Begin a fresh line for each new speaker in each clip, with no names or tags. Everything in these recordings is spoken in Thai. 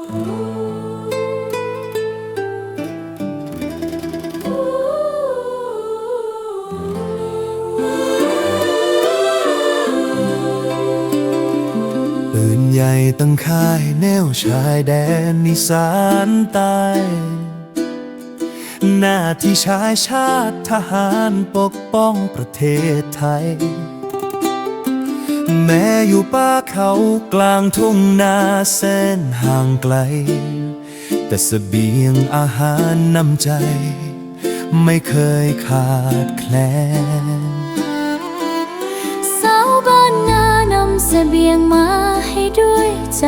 ปืนใหญ่ตั้งค่ายแนวชายแดนอีสานใต้หน้าที่ชายชาติทหารปกป้องประเทศไทยแม้อยู่ป่าเขากลางทุ่งนาแสนห่างไกลแต่เสบียงอาหารน้ำใจไม่เคยขาดแคลน
สาวบ้านนานำเสบียงมาให้ด้วยใจ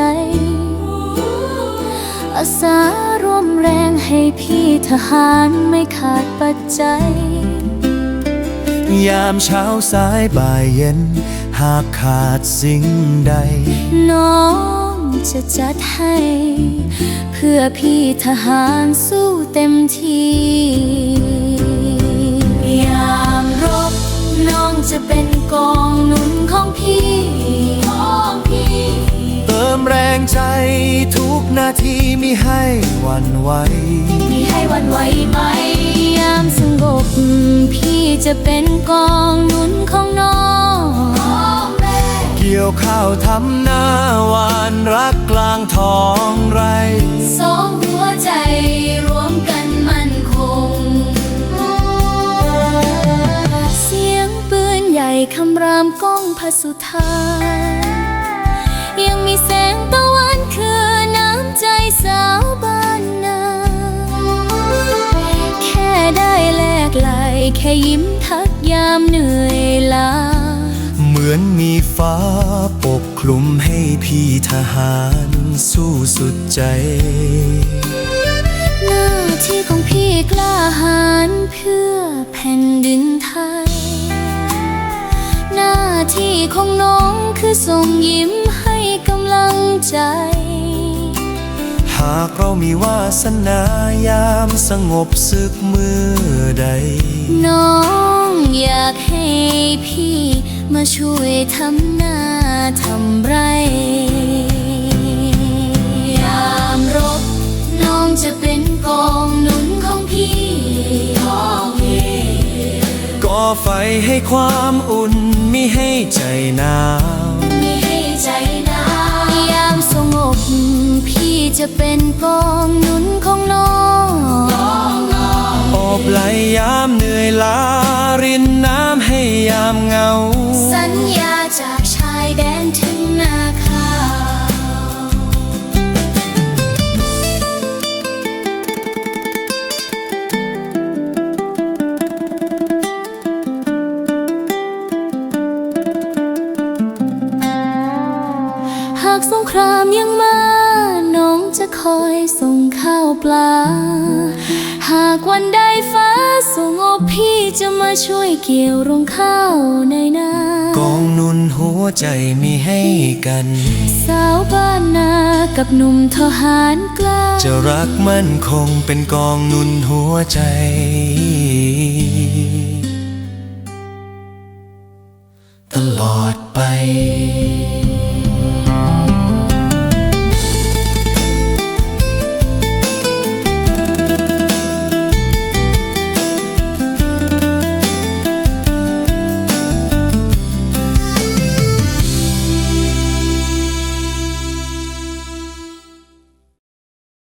อาสารวมแรงให้พี่ทหารไม่ขาดปัจจัย
ยามเช้าสายบ่ายเย็นหากขาดสิ่งใด
น้องจะจัดให้เพื่อพี่ทหารสู้เต็มที่ยามรบน้องจะเป็นกองหนุนของพี่
เติมแรงใจทุกนาทีมิให้หวั่นไหว
ไหมยามสงบพี่จะเป็นกองหนุนของน้อง
เกี่ยวข้าวทำหน้าหวานรักกลางท้องไร
สองหัวใจรวมกันมั่นคงเสียงปืนใหญ่คำรามก้องพระสุธายังมีแสงตะวันคือน้ำใจสาวบ้านนาแค่ได้แลกไหลแค่ยิ้มทักยามเหนื่อยล้า
เหมือนมีฟ้าปกคลุมให้พี่ทหารสู้สุดใจ
หน้าที่ของพี่กล้าหาญเพื่อแผ่นดินไทยหน้าที่ของน้องคือส่งยิ้มให้กำลังใจ
หากเรามีวาสนายามสงบศึกเมื่อใด
น้องอยากให้พี่มาช่วยทำหน้าทำไรยามรบน้องจะเป็นกองหนุนของพี่
ก่อไฟให้ความอุ่นมิให้ใจหนาว
ยามสงบพี่จะเป็นกองหนุนของน้อง
โอบไหลยามเหนื่อยล้ารินน้ำให้ยามเหงา
สัญญาจากชายแดนถึงนาข้าวหากสงครามยังมาน้องจะคอยส่งข้าวปลาหากวันใดฟ้าสงบพี่จะมาช่วยเกี่ยวรวงข้าวในนาก
องหนุนหัวใจมีให้กัน
สาวบ้านนากับหนุ่มทหารกล้า
จะรักมั่นคงเป็นกองหนุนหัวใจตลอดไป